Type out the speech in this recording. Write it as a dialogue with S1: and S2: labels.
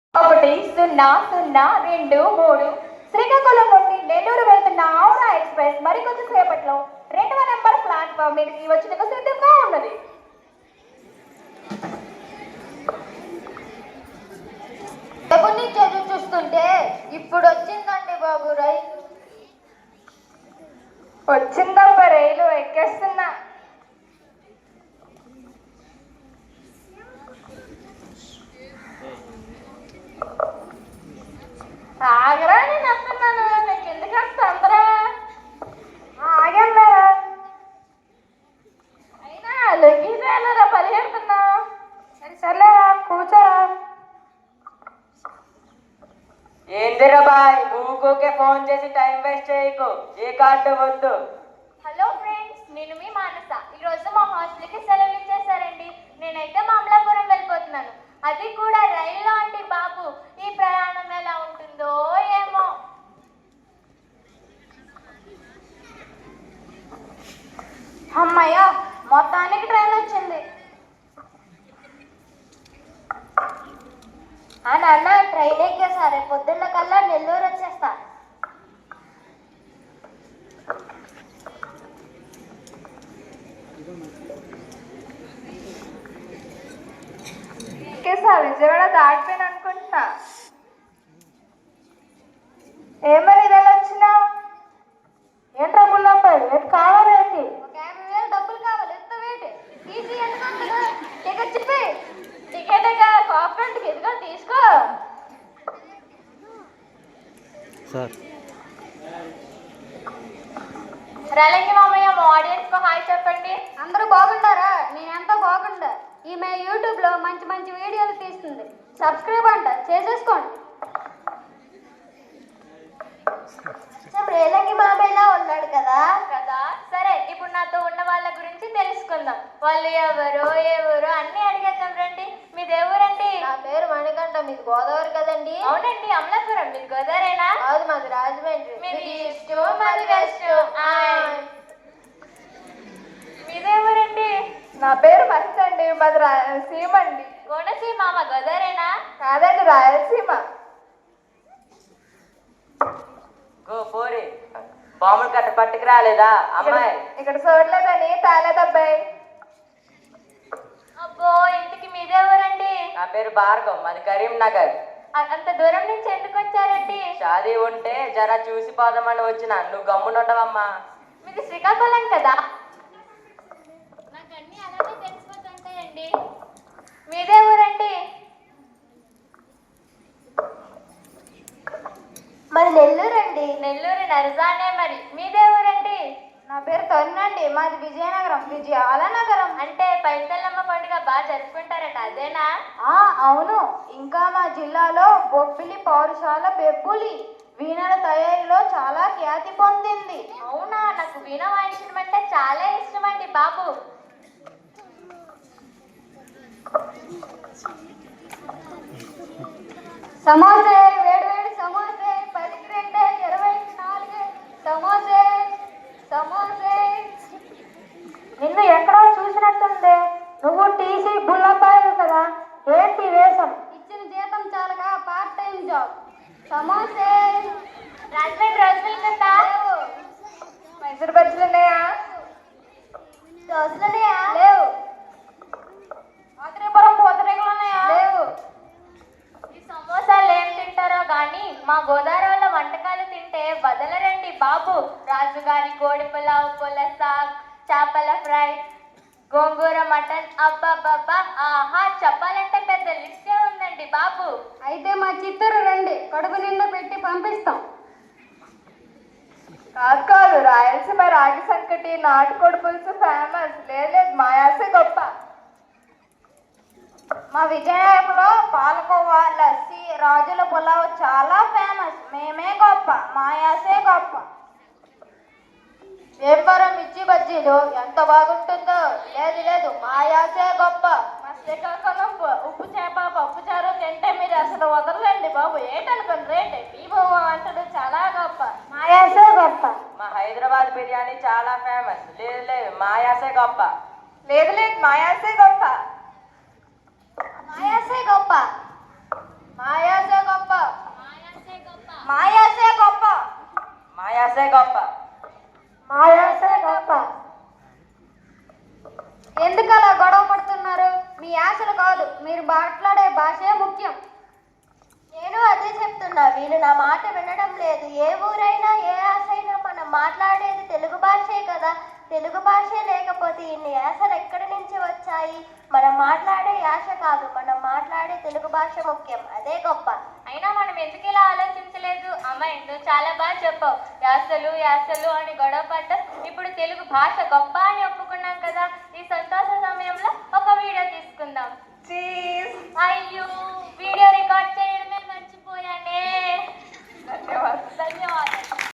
S1: 1-0-0-2-3 శ్రీకాకుళం నుండి నెల్లూరు వెళ్తున్న ఔరా ఎక్స్ప్రెస్ మరికొద్ది సేపట్లో 2వ నెంబర్ ప్లాట్ఫామ్ మీదకి వచ్చేందుకు సిద్ధంగా ఉన్నది.
S2: చదువు చూస్తుంటే ఇప్పుడు వచ్చిందండి బాబు రైలు.
S1: వచ్చిందబ్బా రైలు, ఎక్కేస్తున్నా. ఆగరా, నేను వస్తున్నాను. నీకు ఎందుకు వస్తుందరా? ఆగన్నారా? అయినా లొంగిపోయారా? పరిగెడుతున్నా. సర్లేరా, కూర్చోరా.
S3: ఏందిరా బాయ్, ఊకే ఫోన్ చేసి టైం వేస్ట్ చేయకు. ఏ కార్డు వద్దు.
S1: హలో ఫ్రెండ్స్, నేను మీ మానస. ఈరోజు మా హాస్టల్కి సెలవులు ఇచ్చేసారండి. నేనైతే మామలాపురం వెళ్ళిపోతున్నాను, అది కూడా రైల్లో అండి బాబు. ఈ ప్రయాణం ఎలా ఉంటుందో ఏమో. అమ్మయ్య, మొత్తానికి ట్రైన్ వచ్చింది.
S2: నాన్న ట్రైన్ ఎక్కేసారే, పొద్దున్న కల్లా నెల్లూరు వచ్చేస్తా.
S1: విజయవాడ దాటిపోయిన అనుకుంటున్నా. ఏమని ఇదలా వచ్చినావు? ఏంట్రా బుల్లబ్బాయి, రేపు కావాలి ఏంటి?
S2: ఒక 50,000 డబ్బులు కావాలి, ఎంత వేటి టీసీ ఎందుకంటున్నా? టికెట్ చెప్పి.
S1: టికెట్ కాఫ్రెంట్కి ఎదుగా తీసుకో
S4: సార్.
S1: రేలంగి మామయ్య, మా ఆడియన్స్ కు హాయ్ చెప్పండి.
S2: అందరూ బాగుంటారా? నేనెంతో బాగుండా. ఈమె యూట్యూబ్ లో మంచి మంచి వీడియోలు తీస్తుంది. సబ్స్క్రైబ్ అంట చేసేసుకోండి. రేలంగి మామయ్యలా ఉన్నాడు కదా.
S1: సరే, ఇప్పుడు నాతో ఉన్న వాళ్ళ గురించి తెలుసుకుందాం. వాళ్ళు ఎవరు అన్ని అడిగేద్దాం రండి. మీది ఎవరండి?
S2: నా పేరు మణికంఠ. మీది గోదావరి కదండి?
S1: అవునండి, అమలాపురం. మీది గోదావరేనా?
S2: కాదు, మాది రాజమండ్రి.
S1: మీది ఈస్ట్, మాది వెస్ట్. మీదేవరండి? నా పేరు మహేష్ అండి. మాది రాయలసీమ అండి. కోనసీమ. మా గోదావరేనా? కాదండి, రాయలసీమ.
S3: గో పోరి, బాంబులు కట్ట పట్టుకు రాలేదా అమ్మాయి?
S1: ఇక్కడ చూడలేదని తాలేదబ్బాయి. అబ్బో, ఇంటికి మీదేవరండి?
S3: నా పేరు భార్గవ్, మాది కరీంనగర్.
S1: అంత దూరం నుంచి ఎందుకు వచ్చారండి?
S3: షాదీ ఉంటే జరా చూసి పోదామని వచ్చిన. నువ్వు గమ్మునుండవమ్మా.
S1: మీది శ్రీకాకుళం కదా? నాకు అన్ని అలాగే తెలిసిపోతుంటాయండి. మీదే ఊరండి?
S2: మాది నెల్లూరు అండి.
S1: నెల్లూరు నరసానే. మరి మీదే ఊరండి?
S2: నా పేరు తరుణండి. మాది విజయనగరం, విజయాల నగరం.
S1: అంటే పైతల్లమ్మ పండుగ బాగా జరుపుకుంటారట, అదేనా?
S2: అవును. ఇంకా మా జిల్లాలో బొబ్బిలి పౌరశాల బెబ్బులి వీణల తయారీలో చాలా ఖ్యాతి పొందింది.
S1: అవునా? నాకు వీణ వాయించడం అంటే చాలా ఇష్టం అండి బాబు.
S2: సమోసే, వేడి సమోసే, 10కి 2, 20కి 4 సమోసే. సమోసే.
S1: నిన్ను ఎక్కడో చూసినట్టుంది. నువ్వు టీసీ బుల్లబ్బాయి కదా? ఏంటి వేషం?
S2: ఇచ్చిన జీతం చాలగా పార్ట్ టైం జాబ్. సమోసే.
S1: రాజమండ్రి కదా? మైసూర్ బజ్జీలు ఉన్నాయా?
S2: దోశలున్నాయా?
S1: లేవు. ఆత్రేయపురం పూతరేకులు ఉన్నాయా?
S2: లేవు.
S1: ఈ సమోసాలు ఏం తింటారో గాని మా గోదావరి వంటకాలు తింటే వదలరండి బాబు. రాజుగారి కోడి పులావ్, పులసాగ్, చేపల ఫ్రై, గోంగూర మటన్, అబ్బాబ్బా, ఆహా, చెప్పాలంటే పెద్ద లిస్టే ఉందండి బాబు.
S2: అయితే మా చిత్తూరు రండి, కడుపు నిండా పెట్టి పంపిస్తాం.
S1: కాదు, రాయలసీమ రాగి సంకటి, నాటుకోడి పులుసు ఫేమస్. లేదు, మాయాసే గొప్ప.
S2: మా విజయనగరంలో పాలకోవా, లస్సీ, రాజుల పులావ్ చాలా ఫేమస్. మేమే గొప్ప, మాయాసే గొప్ప. వ్యాపారం మిర్చి బజ్జీలు ఎంత బాగుంటుందో. లేదు, మాయాసే గొప్ప.
S1: మా శ్రీకాకుళం ఉప్పు చేప, పప్పు చారు తింటే మీరు అసలు వదలండి బాబు. ఏంటనుకోండి రేట్. బీబో అంటాడు చాలా గొప్ప.
S2: మాయాసే గొప్ప.
S3: మా హైదరాబాద్ బిర్యానీ చాలా ఫేమస్. లేదు, మాయాసే గొప్ప.
S1: లేదు, మాయాసే గొప్ప.
S2: మాయాసే గొప్ప. మాయాసే
S3: యాసే గొప్ప.
S2: మా యాసే గొప్ప. ఎందుకు అలా గొడవ పడుతున్నారు? మీ యాసలు కాదు, మీరు మాట్లాడే భాషే ముఖ్యం.
S1: నేను అదే చెప్తున్నా, వీళ్ళు నా మాట వినడం లేదు. ఏ ఊరైనా ఏ యాస అయినా మనం మాట్లాడేది తెలుగు భాషే కదా. తెలుగు భాషే లేకపోతే ఇన్ని యాసలు ఎక్కడి నుంచి వచ్చాయి? మనం మాట్లాడే యాస కాదు, మనం మాట్లాడే తెలుగు భాష ముఖ్యం, అదే గొప్ప. అయినా మనం ఎందుకు ఇలా ఆలోచించలేదు? అమ్మ, నువ్వు చాలా బాగా చెప్పావు. యాసలు యాసలు అని గొడవ పడ్డాం, ఇప్పుడు తెలుగు భాష గొప్ప అని ఒప్పుకున్నాం కదా. ఈ సంతోష సమయంలో ఒక వీడియో తీసుకుందాం. అయ్యో